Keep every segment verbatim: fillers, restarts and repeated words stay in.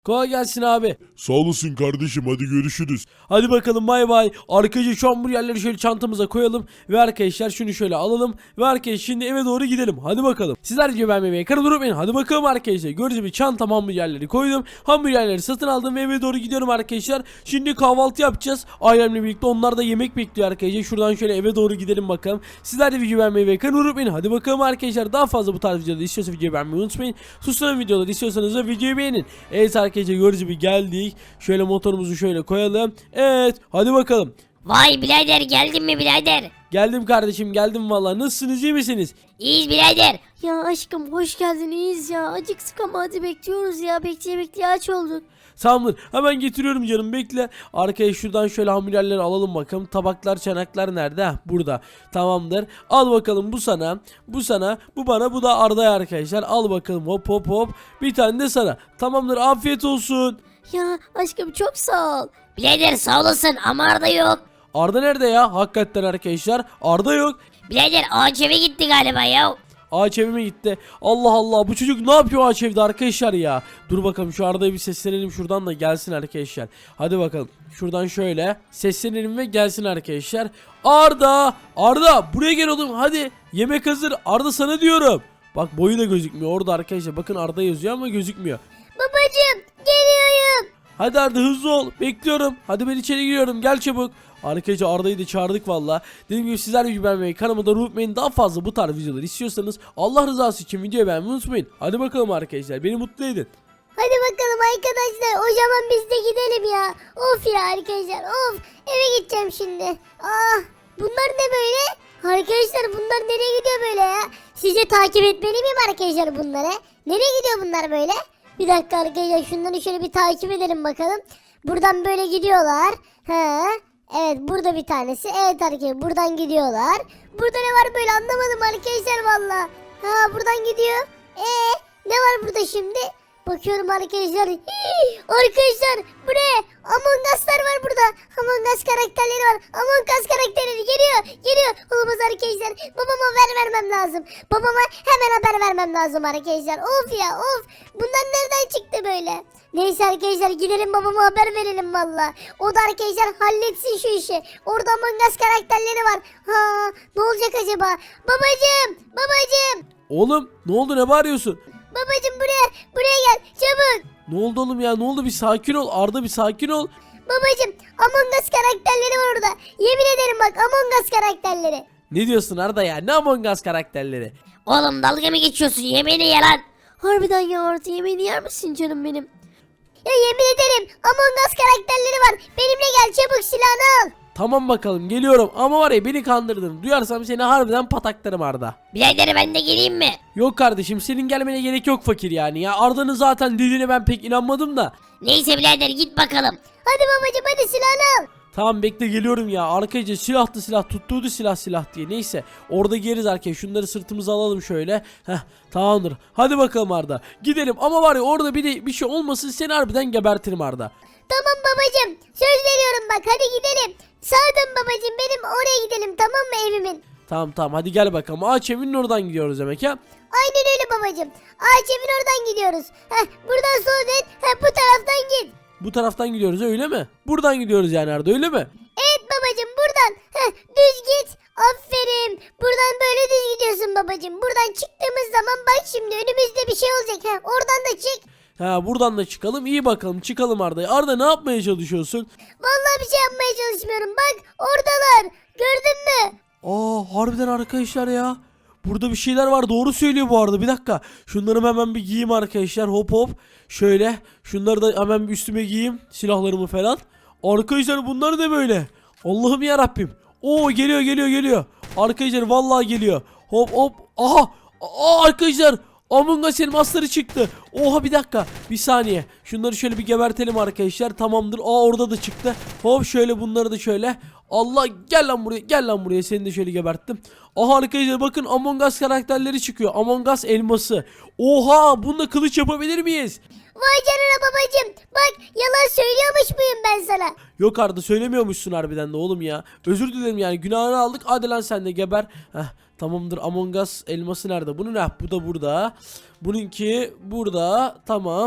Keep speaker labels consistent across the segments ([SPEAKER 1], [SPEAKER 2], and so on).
[SPEAKER 1] Kolay gelsin abi.
[SPEAKER 2] Sağ olasın kardeşim, hadi görüşürüz.
[SPEAKER 1] Hadi bakalım, bay bay. Arkadaşlar şu hamburgerleri şöyle çantamıza koyalım. Ve arkadaşlar şunu şöyle alalım. Ve arkadaşlar şimdi eve doğru gidelim. Hadi bakalım. Sizler gibi ben bebeğe karı durup benim. Hadi bakalım arkadaşlar. Gördüğünüz gibi çantam hamburgerleri koydum. Hamburgerleri satın aldım ve eve doğru gidiyorum arkadaşlar. Şimdi kahvaltı yapacağız. Ailemle birlikte, onlar da yemek bekliyor arkadaşlar. Şuradan şöyle eve doğru gidelim bakalım. Sizler de video beğenmeyi ve karı durup benim. Hadi bakalım arkadaşlar. Daha fazla bu tarz videoları istiyorsanız videoyu beğenmeyi unutmayın. Susturan videoları istiyorsanız da videoyu beğenin. Evet arkadaşlar, gördüğünüz gibi geldik. Şöyle motorumuzu şöyle koyalım. Evet, hadi bakalım.
[SPEAKER 3] Vay birader, geldin mi birader?
[SPEAKER 1] Geldim kardeşim, geldim vallahi. Nasılsınız, iyi misiniz?
[SPEAKER 3] İyiyiz birader.
[SPEAKER 4] Ya aşkım hoş geldin, iyiyiz ya. Acıktık ama hadi bekliyoruz ya. Bekleye bekleye aç olduk.
[SPEAKER 1] Tamamdır, hemen getiriyorum canım, bekle. Arkaya şuradan şöyle hamburgerleri alalım bakalım. Tabaklar, çanaklar nerede? Heh, burada. Tamamdır. Al bakalım, bu sana. Bu sana. Bu bana. Bu da Arda'ya arkadaşlar. Al bakalım, hop hop hop. Bir tane de sana. Tamamdır, afiyet olsun.
[SPEAKER 4] Ya aşkım çok sağ ol.
[SPEAKER 3] Birader sağ olasın ama Arda yok.
[SPEAKER 1] Arda nerede ya? Hakikaten arkadaşlar. Arda yok.
[SPEAKER 3] Birader ağaç eve gitti galiba ya.
[SPEAKER 1] Ağaç evime gitti. Allah Allah, bu çocuk ne yapıyor ağaç evde arkadaşlar ya. Dur bakalım, şu Arda'ya bir seslenelim şuradan da gelsin arkadaşlar. Hadi bakalım, şuradan şöyle seslenelim ve gelsin arkadaşlar. Arda, Arda buraya gel oğlum, hadi yemek hazır. Arda sana diyorum. Bak, boyu da gözükmüyor orada arkadaşlar. Bakın, Arda yazıyor ama gözükmüyor.
[SPEAKER 4] Babacım geliyorum.
[SPEAKER 1] Hadi Arda, hızlı ol, bekliyorum. Hadi, ben içeri giriyorum, gel çabuk. Arkadaşlar Arda'yı da çağırdık valla. Dediğim gibi sizler de beğenmeyi, kanalıma da unutmayın. Daha fazla bu tarz videoları istiyorsanız Allah rızası için videoyu beğenmeyi unutmayın. Hadi bakalım arkadaşlar, beni mutlu edin.
[SPEAKER 4] Hadi bakalım arkadaşlar, o zaman biz de gidelim ya. Of ya arkadaşlar, of. Eve gideceğim şimdi. Ah, bunlar ne böyle? Arkadaşlar bunlar nereye gidiyor böyle ya? Sizce takip etmeli miyim arkadaşlar bunları? Nereye gidiyor bunlar böyle? Bir dakika arkadaşlar, şunları şöyle bir takip edelim bakalım. Buradan böyle gidiyorlar. He. Evet, burada bir tanesi. Evet arkadaşlar, buradan gidiyorlar. Burada ne var böyle, anlamadım arkadaşlar valla. Ha, buradan gidiyor. Ee, ne var burada şimdi? Bakıyorum arkadaşlar. Hii, arkadaşlar bu ne? Among Us'lar var burada. Among Us karakterleri var. Among Us karakterleri geliyor. Geliyor. Olamaz arkadaşlar. Babama haber vermem lazım. Babama hemen haber vermem lazım arkadaşlar. Of ya of. Bunlar nereden çıktı böyle? Neyse arkadaşlar, gidelim babama haber verelim valla. O da arkadaşlar halletsin şu işi. Orada Among Us karakterleri var. Ha, ne olacak acaba? Babacım. Babacım.
[SPEAKER 1] Oğlum, ne oldu, ne bağırıyorsun?
[SPEAKER 4] Babacım buraya. Buraya gel. Çabuk.
[SPEAKER 1] Ne oldu oğlum ya, ne oldu, bir sakin ol Arda, bir sakin ol.
[SPEAKER 4] Babacım Among Us karakterleri var orada. Yemin ederim bak, Among Us karakterleri.
[SPEAKER 1] Ne diyorsun Arda ya, ne Among Us karakterleri?
[SPEAKER 3] Oğlum dalga mı geçiyorsun, yemeğini ye lan.
[SPEAKER 4] Harbiden ya, Arda yemeğini yer misin canım benim? Ya yemin ederim Among Us karakterleri var. Benimle gel, çabuk silahını al.
[SPEAKER 1] Tamam bakalım, geliyorum ama var ya, beni kandırdın. Duyarsam seni harbiden pataklarım Arda.
[SPEAKER 3] Birader ben de geleyim mi?
[SPEAKER 1] Yok kardeşim, senin gelmene gerek yok fakir yani ya. Arda'nın zaten dediğine ben pek inanmadım da.
[SPEAKER 3] Neyse birader git bakalım.
[SPEAKER 4] Hadi babacım, hadi silahını al.
[SPEAKER 1] Tamam, bekle geliyorum ya. Arkadaşlar silahtı silah, tuttuğu silah silah diye. Neyse, orada geriz arkadaşlar. Şunları sırtımıza alalım şöyle. Heh, tamamdır. Hadi bakalım Arda, gidelim ama var ya, orada bir de bir şey olmasın, seni harbiden gebertirim Arda.
[SPEAKER 4] Tamam babacım, söz veriyorum bak, hadi gidelim. Sağdan babacım, benim oraya gidelim, tamam mı, evimin?
[SPEAKER 1] Tamam tamam, hadi gel bakalım. Ağaç evinin oradan gidiyoruz demek ya.
[SPEAKER 4] Aynen öyle babacım. Ağaç evin oradan gidiyoruz. Heh, buradan sol dön. Heh, bu taraftan git.
[SPEAKER 1] Bu taraftan gidiyoruz öyle mi? Buradan gidiyoruz yani Arda, öyle mi?
[SPEAKER 4] Evet babacım, buradan. Heh, düz git. Aferin. Buradan böyle düz gidiyorsun babacım. Buradan çıktığımız zaman bak şimdi önümüzde bir şey olacak. Heh, oradan da çık.
[SPEAKER 1] Ha, buradan da çıkalım. İyi bakalım, çıkalım Arda. Arda, ne yapmaya çalışıyorsun?
[SPEAKER 4] Vallahi bir şey yapmaya çalışmıyorum. Bak oradalar. Gördün mü?
[SPEAKER 1] Aa, harbiden arkadaşlar ya. Burada bir şeyler var, doğru söylüyor bu arada. Bir dakika, şunları hemen bir giyeyim arkadaşlar. Hop hop. Şöyle şunları da hemen bir üstüme giyeyim, silahlarımı falan. Arkadaşlar bunlar da böyle. Allah'ım ya Rabbim. Oo, geliyor geliyor geliyor. Arkadaşlar vallahi geliyor. Hop hop. Aha. Aa, arkadaşlar Among Us elmasları çıktı. Oha, bir dakika, bir saniye. Şunları şöyle bir gebertelim arkadaşlar. Tamamdır. Aa, orada da çıktı. Hop, şöyle bunları da şöyle. Allah, gel lan buraya, gel lan buraya, seni de şöyle geberttim. Aha arkadaşlar, bakın Among Us karakterleri çıkıyor. Among Us elması. Oha, bununla kılıç yapabilir miyiz?
[SPEAKER 4] Vay canına babacım. Bak yalan söylüyormuş muyum ben sana?
[SPEAKER 1] Yok Arda, söylemiyormuşsun harbiden de oğlum ya. Özür dilerim yani, günahını aldık. Hadi lan sen de geber. Heh, tamamdır. Among Us elması nerede? Bunun, ne? Bu da burada. Bununki burada. Tamam.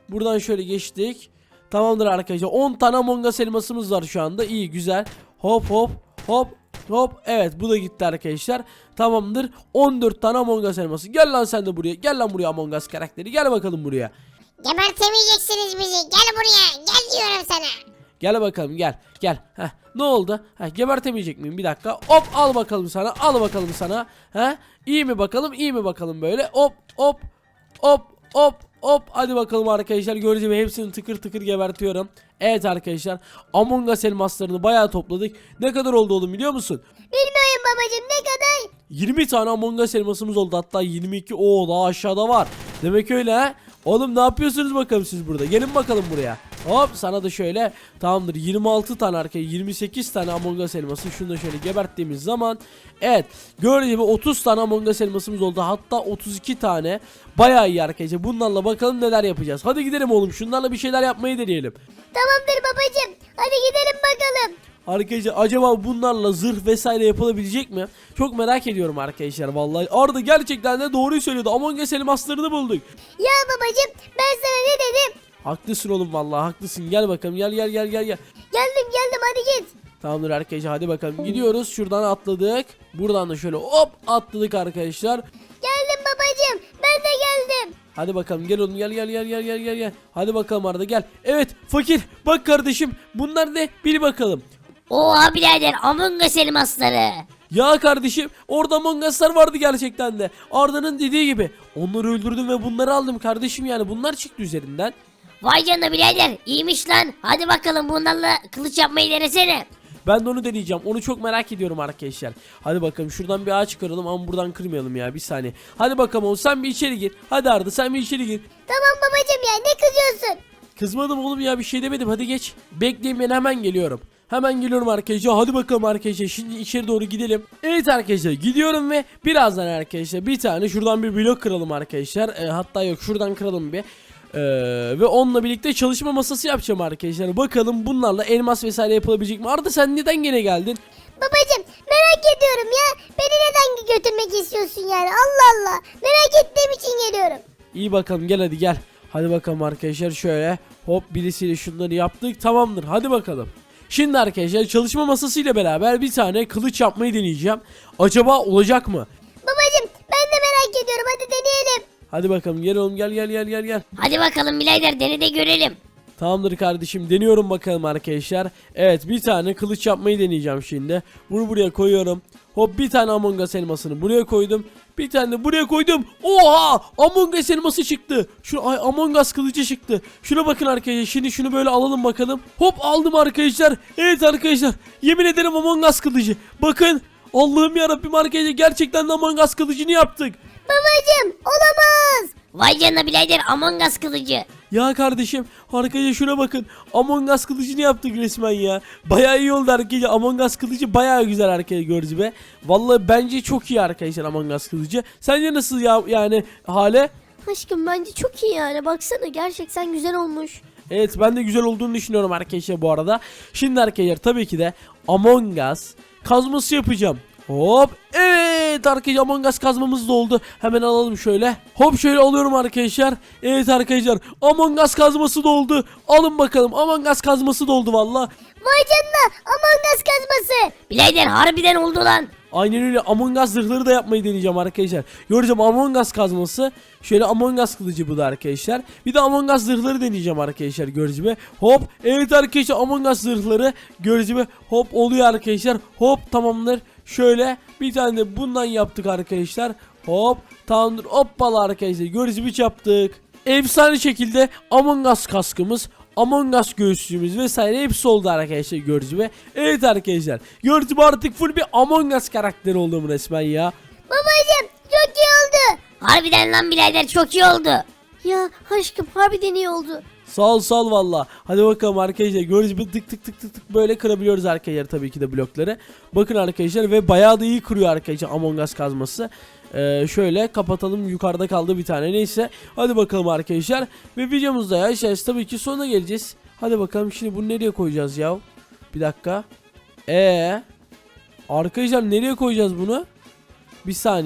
[SPEAKER 1] Buradan şöyle geçtik. Tamamdır arkadaşlar. on tane Among Us elmasımız var şu anda. İyi, güzel. Hop hop hop hop. Evet, bu da gitti arkadaşlar. Tamamdır. on dört tane Among Us elması. Gel lan sen de buraya. Gel lan buraya Among Us karakteri. Gel bakalım buraya.
[SPEAKER 4] Gebertemeyeceksiniz bizi. Gel buraya. Gel diyorum sana.
[SPEAKER 1] Gel bakalım, gel. Gel. Heh, ne oldu? Heh, gebertemeyecek miyim? Bir dakika. Hop, al bakalım sana. Al bakalım sana. Heh, iyi mi bakalım? İyi mi bakalım böyle? Hop hop hop hop hop. Hadi bakalım arkadaşlar. Gördüğünüz gibi hepsini tıkır tıkır gebertiyorum. Evet arkadaşlar. Among Us elmaslarını bayağı topladık. Ne kadar oldu oğlum biliyor musun?
[SPEAKER 4] Bilmiyorum babacım, ne kadar?
[SPEAKER 1] yirmi tane Among Us elmasımız oldu, hatta yirmi iki. Oo, daha aşağıda var. Demek öyle ha. Oğlum ne yapıyorsunuz bakalım siz burada? Gelin bakalım buraya. Hop, sana da şöyle. Tamamdır, yirmi altı tane arkaya yirmi sekiz tane Among Us elması. Şunu da şöyle geberttiğimiz zaman. Evet, gördüğünüz gibi otuz tane Among Us elmasımız oldu. Hatta otuz iki tane. Bayağı iyi arkadaşlar. Bunlarla bakalım neler yapacağız. Hadi gidelim oğlum, şunlarla bir şeyler yapmayı deneyelim.
[SPEAKER 4] Tamamdır babacım. Hadi gidelim bakalım.
[SPEAKER 1] Arkadaşlar acaba bunlarla zırh vesaire yapılabilecek mi? Çok merak ediyorum arkadaşlar vallahi. Arda gerçekten de doğruyu söylüyordu. Among Us elmaslarını bulduk.
[SPEAKER 4] Ya babacım, ben sana ne dedim?
[SPEAKER 1] Haklısın oğlum vallahi, haklısın. Gel bakalım, gel gel gel gel gel.
[SPEAKER 4] Geldim geldim, hadi git.
[SPEAKER 1] Tamamdır arkadaşlar, hadi bakalım gidiyoruz. Şuradan atladık. Buradan da şöyle hop atladık arkadaşlar.
[SPEAKER 4] Geldim babacım, ben de geldim.
[SPEAKER 1] Hadi bakalım, gel oğlum, gel gel gel gel gel gel gel. Hadi bakalım Arda, gel. Evet fakir, bak kardeşim, bunlar ne bil bakalım.
[SPEAKER 3] Oha birader, Among Us elmasları.
[SPEAKER 1] Ya kardeşim, orada Among Us'lar vardı gerçekten de. Arda'nın dediği gibi. Onları öldürdüm ve bunları aldım kardeşim, yani bunlar çıktı üzerinden.
[SPEAKER 3] Vay canına birader, iyiymiş lan. Hadi bakalım bunlarla kılıç yapmayı denesene.
[SPEAKER 1] Ben de onu deneyeceğim. Onu çok merak ediyorum arkadaşlar. Hadi bakalım şuradan bir ağaç kıralım ama buradan kırmayalım ya, bir saniye. Hadi bakalım oğlum, sen bir içeri gir. Hadi Arda, sen bir içeri gir.
[SPEAKER 4] Tamam babacım, ya ne kızıyorsun?
[SPEAKER 1] Kızmadım oğlum ya, bir şey demedim, hadi geç. Bekleyin, ben hemen geliyorum. Hemen geliyorum arkadaşlar. Hadi bakalım arkadaşlar, şimdi içeri doğru gidelim. Evet arkadaşlar, gidiyorum ve birazdan arkadaşlar bir tane şuradan bir blok kıralım arkadaşlar. E, hatta yok, şuradan kıralım bir. Ee, ve onunla birlikte çalışma masası yapacağım arkadaşlar. Bakalım bunlarla elmas vesaire yapılabilecek mi? Arda sen neden gene geldin?
[SPEAKER 4] Babacım, merak ediyorum ya. Beni neden götürmek istiyorsun yani? Allah Allah. Merak ettiğim için geliyorum.
[SPEAKER 1] İyi bakalım, gel hadi gel. Hadi bakalım arkadaşlar, şöyle hop birisiyle şunları yaptık, tamamdır, hadi bakalım. Şimdi arkadaşlar çalışma masası ile beraber bir tane kılıç yapmayı deneyeceğim. Acaba olacak mı?
[SPEAKER 4] Babacım, ben de merak ediyorum. Hadi deneyelim.
[SPEAKER 1] Hadi bakalım, gel oğlum, gel gel gel gel gel.
[SPEAKER 3] Hadi bakalım birader, dene de görelim.
[SPEAKER 1] Tamamdır kardeşim, deniyorum bakalım arkadaşlar. Evet, bir tane kılıç yapmayı deneyeceğim şimdi. Bunu buraya koyuyorum. Hop, bir tane Among Us elmasını buraya koydum. Bir tane de buraya koydum. Oha! Among Us elması çıktı. Şu ay Among Us kılıcı çıktı. Şuna bakın arkadaşlar. Şimdi şunu böyle alalım bakalım. Hop, aldım arkadaşlar. Evet arkadaşlar. Yemin ederim Among Us kılıcı. Bakın. Allah'ım yarabbim arkadaşlar. Gerçekten de Among Us kılıcını yaptık.
[SPEAKER 4] Babacım, olamaz.
[SPEAKER 3] Vay canına birader, Among Us kılıcı.
[SPEAKER 1] Ya kardeşim, arkadaşlar şuna bakın. Among Us kılıcını yaptık resmen ya. Bayağı iyi oldu arkadaşlar. Among Us kılıcı bayağı güzel arkadaşlar, gördüğünüz gibi. Vallahi bence çok iyi arkadaşlar Among Us kılıcı. Sence nasıl ya, yani Hale?
[SPEAKER 4] Aşkım, bence çok iyi yani. Baksana, gerçekten güzel olmuş.
[SPEAKER 1] Evet, ben de güzel olduğunu düşünüyorum arkadaşlar bu arada. Şimdi arkadaşlar tabii ki de Among Us kazması yapacağım. Hop, evet arkadaşlar, Among Us kazmamız da oldu. Hemen alalım şöyle. Hop, şöyle alıyorum arkadaşlar. Evet arkadaşlar, Among Us kazması da oldu. Alın bakalım, Among Us kazması da oldu valla.
[SPEAKER 4] Vay canına, Among Us kazması.
[SPEAKER 3] Birader harbiden oldu lan.
[SPEAKER 1] Aynen öyle, Among Us zırhları da yapmayı deneyeceğim arkadaşlar. Göreceğim Among Us kazması. Şöyle Among Us kılıcı bu da arkadaşlar. Bir de Among Us zırhları deneyeceğim arkadaşlar, gördüğünüz gibi. Hop, evet arkadaşlar, Among Us zırhları gördüğünüz gibi. Hop, oluyor arkadaşlar. Hop, tamamdır. Şöyle bir tane de bundan yaptık arkadaşlar. Hop, tamamdır. Hoppala arkadaşlar, gördüğünüz gibi yaptık. Efsane şekilde Among Us kaskımız, Among Us göğüslüğümüz vesaire hepsi oldu arkadaşlar, gördüğünüz gibi. Evet arkadaşlar, gördüğünüz gibi artık full bir Among Us karakteri oldum resmen ya.
[SPEAKER 4] Babacım, çok iyi oldu.
[SPEAKER 3] Harbiden lan birader, çok iyi oldu.
[SPEAKER 4] Ya aşkım, harbiden iyi oldu.
[SPEAKER 1] Sağ ol sağ ol valla. Hadi bakalım arkadaşlar, gördüğünüz gibi tık tık tık tık tık böyle kırabiliyoruz arkadaşlar tabii ki de blokları. Bakın arkadaşlar, ve bayağı da iyi kırıyor arkadaşlar Among Us kazması. Ee, şöyle kapatalım, yukarıda kaldı bir tane, neyse. Hadi bakalım arkadaşlar, ve videomuzda ya işte tabii ki sonuna geleceğiz. Hadi bakalım, şimdi bunu nereye koyacağız ya? Bir dakika. Ee, arkadaşlar nereye koyacağız bunu? Bir saniye.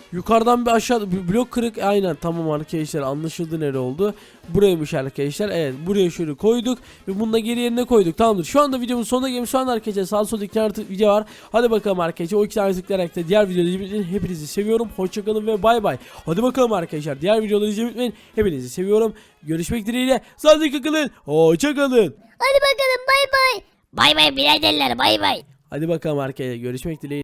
[SPEAKER 1] Yukarıdan bir aşağı bir blok kırık. Aynen tamam arkadaşlar, anlaşıldı nere oldu. Buraymış arkadaşlar. Evet, buraya şöyle koyduk ve bunu da geri yerine koyduk. Tamamdır. Şu anda videomun sonuna gelmiş. Şu anda arkadaşlar sağ solda iki tane video var. Hadi bakalım arkadaşlar. O iki tane tıklayarak da diğer videoları izlemeyi hepinizi seviyorum. Hoşçakalın ve bay bay. Hadi bakalım arkadaşlar. Diğer videoları izlemeyi unutmayın. Hepinizi seviyorum. Görüşmek dileğiyle. Sağlıcakla kalın. Hoşçakalın.
[SPEAKER 4] Hadi bakalım bay bay.
[SPEAKER 3] Bay bay biraderler bay bay.
[SPEAKER 1] Hadi bakalım arkadaşlar. Görüşmek dileğiyle.